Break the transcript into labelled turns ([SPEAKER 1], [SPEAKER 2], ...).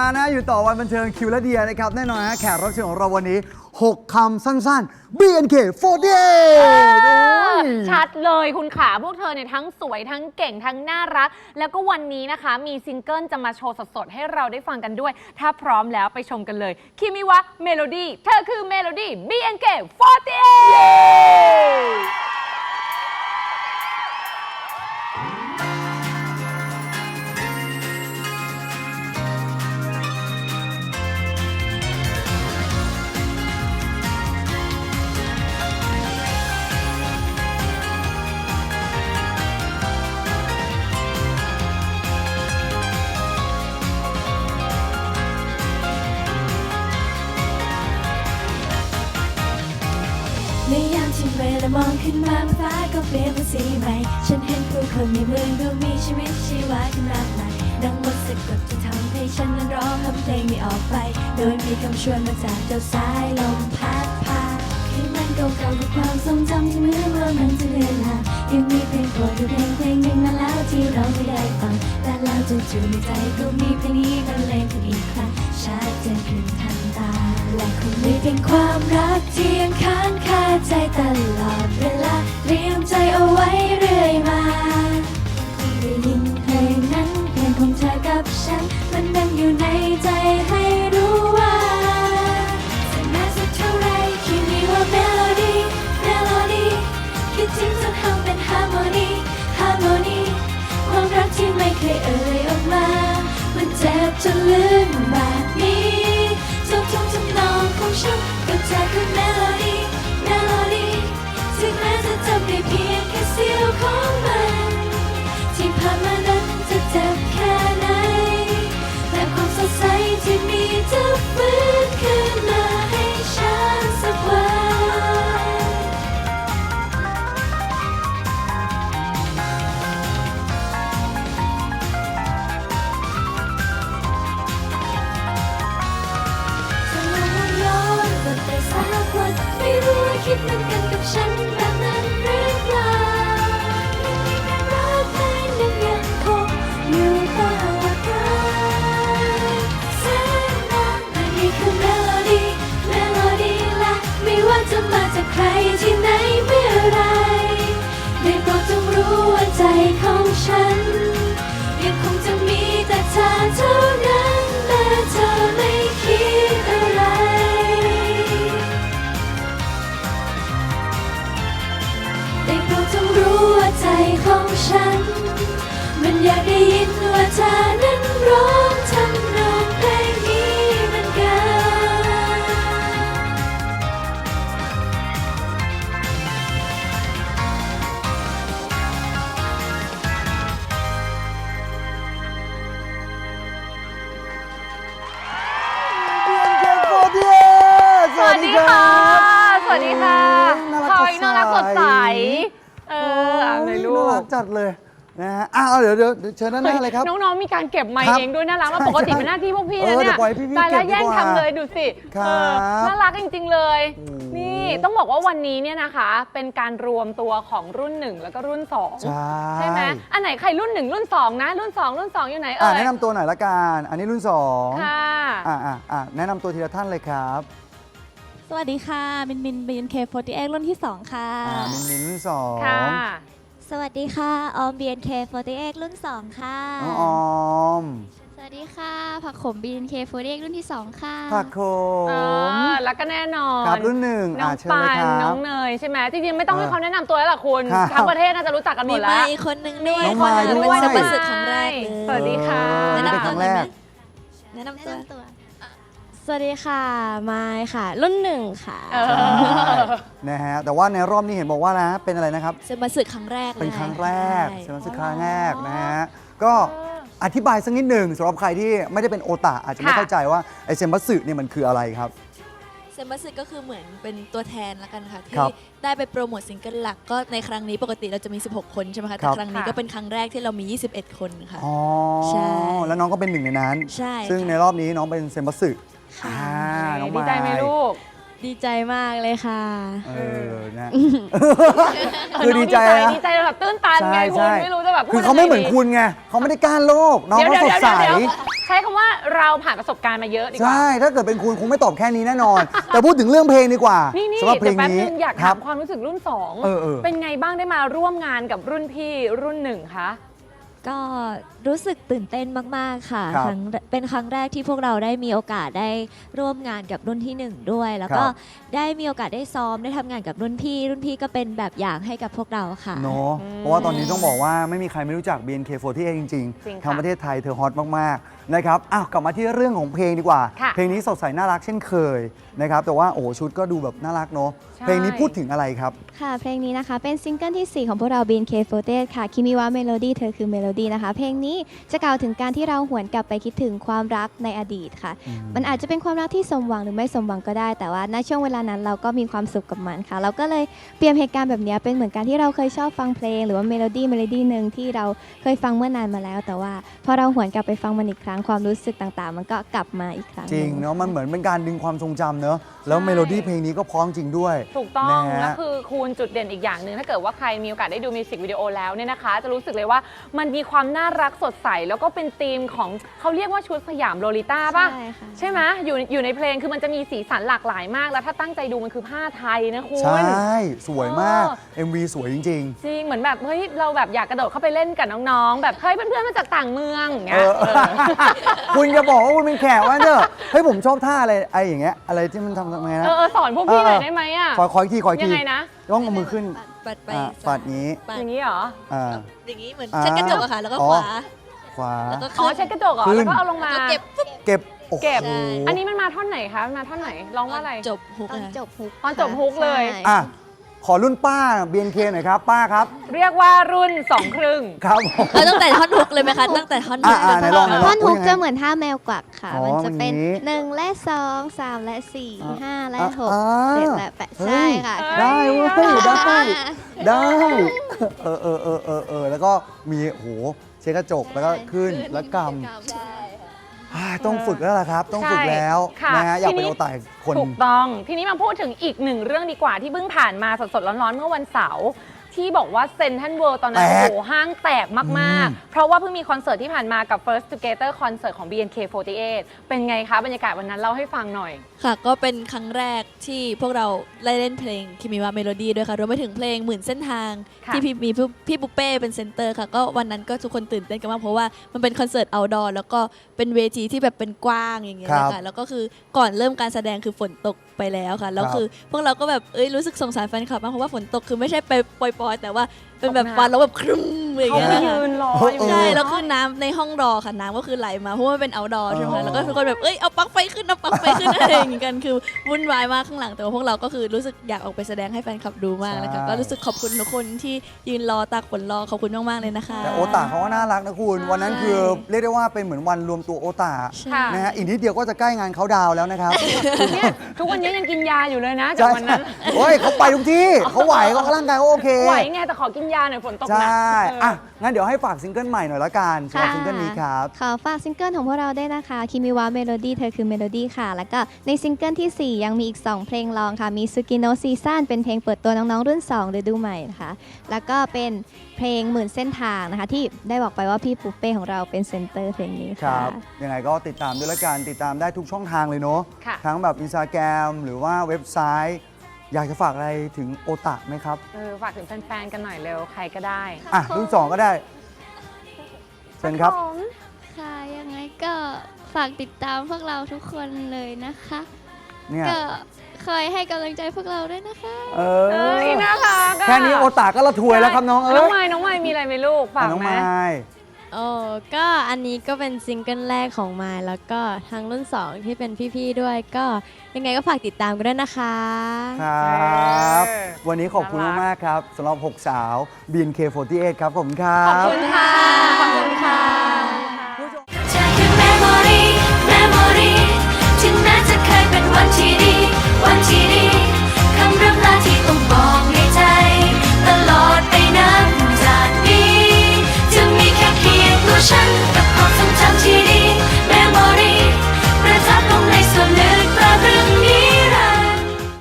[SPEAKER 1] มานะอยู่ต่อวันบันเทิงคิวและเดียนะครับแน่นอนฮะแขกรับเชิญของเราวันนี้ 6 คำสั้นๆ BNK48
[SPEAKER 2] ชัดเลยคุณขาพวกเธอเนี่ยทั้งสวยทั้งเก่งทั้งน่ารักแล้วก็วันนี้นะคะมีซิงเกิลจะมาโชว์สดๆให้เราได้ฟังกันด้วยถ้าพร้อมแล้วไปชมกันเลยคิมิวะเมโลดี้เธอคือเมโลดี้ BNK48
[SPEAKER 3] ในยามที่เวลามองขึ้นมาบนฟ้าก็เปลี่ยนเป็นสีใหม่ฉันเห็นผู้คนในเมืองดูมีชีวิตชีวาขึ้นมากมายดังมนต์สะกดจะทำให้ฉันนั้นร้องทำเพลงนี้ออกไปโดยมีคำชวนมาจากเจ้าสายลมพัดพาคืนนั้นเก่าๆกับความทรงจำที่เหมือนว่ามันจะเลือนลางยังมีเพลงโปรดอยู่เพลงหนึ่งนานแล้วที่เราไม่ได้ฟังแต่แล้วจู่ๆในใจก็มีเพลงนี้บรรเลงขึ้นอีกครั้งชัดเจนขึ้นทันตาและคงมีเพียงความรักที่ยังค้างคาใจตลอดเวลาเตรียมใจเอาไว้เรื่อยมาได้ยินเพลงนั้นเพลงของเธอกับฉันมันดังอยู่ในใจให้รู้ว่าจะนานสักเท่าไรคิดมีว่าเมโลดี้เมโลดี้คิดถึงจนทำเป็นฮาร์โมนีฮาร์โมนีความรักที่ไม่เคยเอ่ยออกมามันเจ็บจนลืมแบบนี้ทุกทำนองของฉันกับเธอคือเมโลดี้เมโลดี้ถึงแม้จะจำได้เพียงแค่เสี้ยวของมันที่ผ่านมานั้นจะเจ็บแค่ไหนแต่ความสดใสที่มีจะฟื้นขึ้นมาให้ฉันสักวันแต่สักวันไม่รู้ว่าคิดเหมือนกันกับฉันแบบนั้นหรือเปล่ายังมีแรงรักเพลงหนึ่งยังคงอยู่ตลอดกาลแสนนานแต่นี่คือเมโลดี้เมโลดี้และไม่ว่าจะมาจากใครที่ไหนเมื่อไรได้โปรดจงรู้ว่าใจของฉันยังคงจะมีแต่เธอเท่านั้นแม้เธอไม่คิดอะไรได้โปรดจงรู้ว่าใจของฉันมันอยากได้ยินว่าเธอนั้นร้องทำนองเพลงนี้เหมือน
[SPEAKER 2] สวัสดีค่ะสวัสดีค่ะพลอยน่ารักสดใสเลยลูก
[SPEAKER 1] น่ารักจัดเลยนะฮะเดี๋ยวเชิญด้านหน้าเลยครับ
[SPEAKER 2] น้องๆมีการเก็บไมค์เองด้วยน่ารักแล้วปกติเป็นหน้าที่พวกพี่นะเนี่ยตายแล้วแย่งทำเลยดูสิน่ารักจริงๆเลยนี่ต้องบอกว่าวันนี้เนี่ยนะคะเป็นการรวมตัวของรุ่น1แล้วก็รุ่น2ใช่ไหมอันไหนใครรุ่น1รุ่น2นะรุ่น2อยู่ไหน
[SPEAKER 1] แนะนำตัวหน่อยละกันอันนี้รุ่น2
[SPEAKER 2] ค่ะ
[SPEAKER 1] แนะนำตัวทีละท่านเลยครับ
[SPEAKER 3] สวัสดีค่ะมิน BNK48 รุ่นที่2ค่ะ
[SPEAKER 1] มินรุ่น2
[SPEAKER 2] ค่ะ
[SPEAKER 3] สวัสดีค่ะออม BNK48 รุ่น2ค่ะ
[SPEAKER 1] น้องออม
[SPEAKER 3] สวัสดีค่ะผักขม BNK48 รุ่นที่2ค่ะ
[SPEAKER 1] ผักขม
[SPEAKER 2] แล้วก็แน่นอน
[SPEAKER 1] ครับรุ่น1
[SPEAKER 2] น้องปานน้องเนยใช่ไหมจริงๆไม่ต้องให้เขาแนะนำตัวแล้วล่ะคุณทั้งประเทศน่าจะรู้จักกันหมดแล้ว
[SPEAKER 3] มีอีกคนนึงด้วย
[SPEAKER 1] น้องมายด้วย
[SPEAKER 3] เป็นประสบครั้งแรกเลย
[SPEAKER 2] สวัสดีค่ะ
[SPEAKER 1] แนะนำตัวเลยไหม
[SPEAKER 3] แนะนำตัวสวัสดีค่ะมายค่ะรุ่น1ค่ะ
[SPEAKER 1] นะฮะแต่ว่าในรอบนี้เห็นบอกว่านะเป็นอะไรนะครับ
[SPEAKER 3] เซมัสึครั้งแรก
[SPEAKER 1] เป็นครั้งแรกเซมัสึครั้งแรกนะฮะก็อธิบายสักนิดหนึ่งสำหรับใครที่ไม่ได้เป็นโอตาอาจจะไม่เข้าใจว่าไอเซมัสึเนี่ยมันคืออะไรครับ
[SPEAKER 3] เซมัสึก็คือเหมือนเป็นตัวแทนละกันค่ะที่ได้ไปโปรโมทซิงเกิลหลักก็ในครั้งนี้ปกติเราจะมี16คนใช่ไหมคะแต่ครั้งนี้ก็เป็นครั้งแรกที่เรามี21คนค่ะ
[SPEAKER 1] ใช่แล้วน้องก็เป็นหนึ่งในนั้น
[SPEAKER 3] ใช่
[SPEAKER 1] ซึ่งในรอบนี้น้องเป็นเซมัสึ
[SPEAKER 2] น้องดีใจไหมลูก
[SPEAKER 3] ดีใจมากเลยค่ะ
[SPEAKER 1] นะคือดีใจ
[SPEAKER 2] แบบตื้นตันไงคุณไม่รู้จะแบบ
[SPEAKER 1] คือเขาไม่เหมือนคุณไงเขาไม่ได้ก้านโลกน้องเขาสดใส
[SPEAKER 2] ใช้คำว่าเราผ่านประสบการณ์มาเยอะดีกว่า
[SPEAKER 1] ใช่ถ้าเกิดเป็นคุณคงไม่ตอบแค่นี้แน่นอน แต่พูดถึงเรื่องเพลงดีกว่า
[SPEAKER 2] นี่
[SPEAKER 1] สำหรับเพล
[SPEAKER 2] เดี๋ย
[SPEAKER 1] ง
[SPEAKER 2] วแป๊บ
[SPEAKER 1] นี้
[SPEAKER 2] นึงอยาก
[SPEAKER 1] ครั
[SPEAKER 2] ถา
[SPEAKER 1] บ
[SPEAKER 2] มความรู้สึกรุ่น
[SPEAKER 1] เออ
[SPEAKER 2] 2 เป็นไงบ้างได้มาร่วมงานกับรุ่นพี่รุ่น1คะ
[SPEAKER 3] ก็รู้สึกตื่นเต้นมากๆค่ะ
[SPEAKER 1] ครับ
[SPEAKER 3] เป็นครั้งแรกที่พวกเราได้มีโอกาสได้ร่วมงานกับรุ่นที่1ด้วย แล้วก็
[SPEAKER 1] ครับ
[SPEAKER 3] ได้มีโอกาสได้ซ้อมได้ทำงานกับรุ่นพี่ก็เป็นแบบอย่างให้กับพวกเราค่ะ
[SPEAKER 1] เนาะเพราะว่าตอนนี้ต้องบอกว่าไม่มีใครไม่รู้จัก BNK48 จริง
[SPEAKER 2] จริง
[SPEAKER 1] ๆ
[SPEAKER 2] ค่ะ
[SPEAKER 1] ทางประเทศไทยเธอฮอตมากๆนะครับอ้าวกลับมาที่เรื่องของเพลงดีกว่า
[SPEAKER 2] ค่ะ
[SPEAKER 1] เพลงนี้สดใสน่ารักเช่นเคยนะครับแต่ว่าโอ้ชุดก็ดูแบบน่ารักเนาะ
[SPEAKER 2] ใช่
[SPEAKER 1] เพลงนี้พูดถึงอะไรครับ
[SPEAKER 4] ค่ะเพลงนี้นะคะเป็นซิงเกิลที่ 4 ของพวกเรา BNK48 ค่ะคิมิวะเมโลดี้เธอคือเมโลดี้นะคะ เพลงนี้จะกล่าวถึงการที่เราหวนกลับไปคิดถึงความรักในอดีตค่ะ มันอาจจะเป็นความรักที่สมหวังหรือไม่สมหวังก็ได้ แต่ว่าณช่วงเวลานั้นเราก็มีความสุขกับมันค่ะ เราก็เลยเปรียบเหตุการณ์แบบนี้เป็นเหมือนการที่เราเคยชอบฟังเพลง หรือว่าเมโลดี้หนึ่งที่เราเคยฟังเมื่อนานมาแล้ว แต่ว่าพอเราหวนกลับไปฟังมันอีกครั้งความรู้สึกต่างๆ มันก็กลับมาอีกครั้ง
[SPEAKER 1] จริง
[SPEAKER 4] หนึ่
[SPEAKER 1] เนาะมันเหมือนเป็นการดึงความทรงจำเนาะแล้วเมโลดี้เพลงนี้ก็เพร้อมจริงด้วย
[SPEAKER 2] ถูกต้อง
[SPEAKER 1] นะฮะ
[SPEAKER 2] แล้วคือคูณจุดเด่นอีกอย่างหนึ่งถ้าเกิดว่าใครมีโอกาสได้ดูมิวสิกวิดีโอแล้วเนี่ยนะคะ จะรู้สึกเลยว่ามันมีความน่ารักสดใส แล้วก็เป็นธีมของเขาเรียกว่าชุดสยามโลลิต้าป่ะ
[SPEAKER 4] ใช่ค่ะ
[SPEAKER 2] ใช่ไหมอยู่ในเพลงคือมันจะมีสีสันหลากหลายมาก แล้วถ้าตั้งใจดูมันคือผ้าไทยนะคุณ
[SPEAKER 1] ใช่สวยมาก
[SPEAKER 2] เออ
[SPEAKER 1] MV สวยจริง
[SPEAKER 2] จริงเหมือนแบบเฮ้ยเราแบบอยากกระโดดเข้าไปเล่นกับน้องๆ แบบเฮ้ยเพื่อนๆมาจากต่างเมืองอย่างเงี้ย
[SPEAKER 1] เออ คุณจะบอกว่าคุณเป็นแขกว่าเนอะเฮ้ยผมชอบท่าอะไรไอ้อย่างเงี้ยอะไรที่มันทำไงนะ
[SPEAKER 2] สอนพวกพี่หน่อยได้ไหมอ่ะ
[SPEAKER 1] ขออีกทีขออีก
[SPEAKER 2] ยั
[SPEAKER 1] ที
[SPEAKER 2] งไงนะ
[SPEAKER 1] ต้องเอามือขึ้น
[SPEAKER 5] ปัดไป
[SPEAKER 1] ปัดนี้
[SPEAKER 5] ปัด
[SPEAKER 2] อย่างนี้เหรอ
[SPEAKER 1] อ่า
[SPEAKER 5] อย่างนี้เหมือน
[SPEAKER 1] อ่า
[SPEAKER 5] เช็ดกระจกอะค่ะ แล้วก็
[SPEAKER 1] อ๋อ
[SPEAKER 5] ขวา
[SPEAKER 1] ขวา
[SPEAKER 5] แล้วก็
[SPEAKER 2] อ๋อ
[SPEAKER 5] ขึ้น
[SPEAKER 2] เช็ดกระจกเหรอ
[SPEAKER 1] ขึ้น
[SPEAKER 2] แล้วก็เอาลงมา
[SPEAKER 5] แล้วก็เก็บปุ๊บ
[SPEAKER 1] เก็บโอ้โห
[SPEAKER 2] เก็บ
[SPEAKER 5] ใช่
[SPEAKER 2] อันนี้มันมาท่อนไหนคะมันมาท่อนไหนร้องว่าอะไร
[SPEAKER 5] จบฮุก
[SPEAKER 4] ตอน
[SPEAKER 5] อะ
[SPEAKER 4] จบฮุก
[SPEAKER 2] ตอนจบฮุกเลย
[SPEAKER 4] ใช่
[SPEAKER 1] อ่ะขอรุ่นป้า BNK หน่อยครับ ป้าครับ
[SPEAKER 2] เรียกว่ารุ่น2 ครึ่ง
[SPEAKER 1] ครับผม
[SPEAKER 5] ตั้งแต่ท่อนฮุกเลยไหมคะ ตั้งแต่ท่อนฮุก
[SPEAKER 1] ไหนลอง
[SPEAKER 4] ท่อนฮุก
[SPEAKER 1] ยังไง
[SPEAKER 4] จะเหมือนท่าแมวกวักค่ะ
[SPEAKER 1] อ๋อ
[SPEAKER 4] มันจะเป็น
[SPEAKER 1] อย่างนี้
[SPEAKER 4] 1 และ 2 3 และ 4 5 และ
[SPEAKER 1] อ่า
[SPEAKER 4] 6 7 และ 8
[SPEAKER 1] เฮ้
[SPEAKER 4] ใช่
[SPEAKER 1] ย
[SPEAKER 4] ค่ะ
[SPEAKER 1] ได้เว้ยได้แล้วก็มีโหเช็ดกระจกแล้วก็ขึ้นแล้วกำต้องฝึกแล้วล่ะครับ ต้องฝึกแล้ว
[SPEAKER 2] ค่ะ
[SPEAKER 1] นะฮะอยากเป็น
[SPEAKER 2] ทีนี้
[SPEAKER 1] โอตายคน
[SPEAKER 2] ถูกต้อง ทีนี้มาพูดถึงอีกหนึ่งเรื่องดีกว่าที่เพิ่งผ่านมาสดๆร้อนๆเมื่อวันเสาร์ที่บอกว่าเซนทรัลเวิลด์ตอนนั้น
[SPEAKER 1] แตก
[SPEAKER 2] โอ้โหห้างแตกมากๆ เพราะว่าเพิ่งมีคอนเสิร์ตที่ผ่านมากับ First Together คอนเสิร์ตของ BNK48 เป็นไงคะบรรยากาศวันนั้นเล่าให้ฟังหน่อย
[SPEAKER 5] ค่ะ ก็เป็นครั้งแรกที่พวกเราได้เล่นเพลงคิมิวะเมโลดี้ด้วยค่ะ รวมไปถึงเพลงหมื่นเส้นทาง
[SPEAKER 2] ค่ะ
[SPEAKER 5] ที่มีพี่ปุเป้เป็นเซนเตอร์ค่ะ ก็วันนั้นก็ทุกคนตื่นเต้นกันมากเพราะว่ามันเป็นคอนเสิร์ตเอาท์ดอร์แล้วก็เป็นเวทีที่แบบเป็นกว้างอย่างเงี้ย
[SPEAKER 1] ครับ
[SPEAKER 5] นะคะแล้วก็คือก่อนเริ่มการแสดงคือฝนตกไปแล้วค่ะ แล้วคือพวกเราก็แบบรู้สึกสงสารแฟนคลับมากเพราะว่าฝนตกคือไม่ใช่ไปปล่อยๆแต่ว่าเป็นแบบวันแล้วแบบครึ้มอย่าง
[SPEAKER 2] เขา
[SPEAKER 5] เงี้ย
[SPEAKER 2] ไป
[SPEAKER 5] ค่ะ
[SPEAKER 2] ยืนรออยู่
[SPEAKER 5] ใช่
[SPEAKER 2] เนอะ
[SPEAKER 5] แล้วคือน้ำในห้องรอค่ะน้ำก็คือไหลมาเพราะว่ามันเป็น outdoor ใช่ไหม
[SPEAKER 1] อ๋อ
[SPEAKER 5] คะแล้วก็ทุกคนแบบเอาปลั๊กไฟขึ้นเอาปลั๊กไฟขึ้น อะไรอย่างงี้กันคือวุ่นวายมากข้างหลังแต่ว่าพวกเราก็คือรู้สึกอยากออกไปแสดงให้แฟนคลับดูมากนะคะก็รู้สึกขอบคุณทุกคนที่ยืนรอตากฝนรอขอบคุณมากๆเลยนะคะ
[SPEAKER 1] แต่โอตาเขาก็น่ารักนะคุณ วันนั้นคือเรียกได้ว่าเป็นเหมือนวันรวมตัวโอตา
[SPEAKER 2] ค่ะ
[SPEAKER 1] นะฮะอีกนิดเดียวก็จะใกล้งานเขาดาวน์แล้วนะครับ
[SPEAKER 2] เนี่ยทุกวันนี้ยังกินยาอยู่เลยนะจากวันนั้น
[SPEAKER 1] โอ้ยเขาไปทุกที่เขาไหวเขาร่างกายเขาโอเค
[SPEAKER 2] ไหวไงแต่ขอกินยาหน่อยฝนตก
[SPEAKER 1] ใช
[SPEAKER 2] หนัก่
[SPEAKER 1] อ่ะงั้นเดี๋ยวให้ฝากซิงเกิลใหม่หน่อยละกันสำหรับ
[SPEAKER 4] ค่ะ
[SPEAKER 1] ซิงเกิลนี้ครับ
[SPEAKER 4] ขอฝากซิงเกิลของพวกเราด้วยนะคะคิมิวะเมโลดี้เธอคือเมโลดี้ค่ะ แล้วก็ในซิงเกิลที่ 4 ยังมีอีก 2 เพลงรองค่ะ มีซูกิโนซีซั่นเป็นเพลงเปิดตัวน้องๆรุ่น2ฤดูใหม่นะคะ แล้วก็เป็นเพลงหมื่นเส้นทางนะคะ ที่ได้บอกไปว่าพี่ปุ๊เป้ของเราเป็นเซนเตอร์เพลงนี้
[SPEAKER 1] ค
[SPEAKER 4] ค่ะ
[SPEAKER 1] รับ ยังไงก็ติดตามด้วยละกันติดตามได้ทุกช่องทางเลยเนาะ
[SPEAKER 2] ค่ะ
[SPEAKER 1] ทั้งแบบอินสตาแกรมหรือว่าเว็บไซต์ อยากจะฝากอะไรถึงโอตาไหมครับ
[SPEAKER 2] ฝากถึงแฟนๆกันหน่อยเร็วใครก็ได้
[SPEAKER 1] อ่ะรุ่น2ก็ได้เชิญครับ
[SPEAKER 6] ค่ะ ยังไงก็ฝากติดตามพวกเราทุกคนเลยนะคะ
[SPEAKER 1] เนี่ย
[SPEAKER 6] ก็คอยให้กำลังใจพวกเราด้วยนะคะ
[SPEAKER 1] เอ
[SPEAKER 2] เอ้ย
[SPEAKER 1] อ
[SPEAKER 2] นะคะ
[SPEAKER 1] แค่นี้โอตาก็ละทวยแล้วครับน้องเอ้
[SPEAKER 2] น้อง
[SPEAKER 1] ย
[SPEAKER 2] ไม้น้องไม้มีอะไรไหมลูกฝาก
[SPEAKER 1] น้อง
[SPEAKER 2] ไหม
[SPEAKER 1] ไม้
[SPEAKER 7] โอ้ก็อันนี้ก็เป็นซิงเกิลแรกของมายแล้วก็ทางรุ่น 2 ที่เป็นพี่ๆด้วยก็ยังไงก็ฝากติดตามกันด้วยนะคะ
[SPEAKER 1] ครับ วันนี้ขอบคุณ
[SPEAKER 2] น่ารัก
[SPEAKER 1] มากๆครับสำหรับ 6 สาว BNK48 ครับผมครั
[SPEAKER 2] ขอบบ คุณค่ะ ขอบคุณค่ะ
[SPEAKER 3] เธอคือ memory ถึงแม้จะเคยเป็นวันที่ดี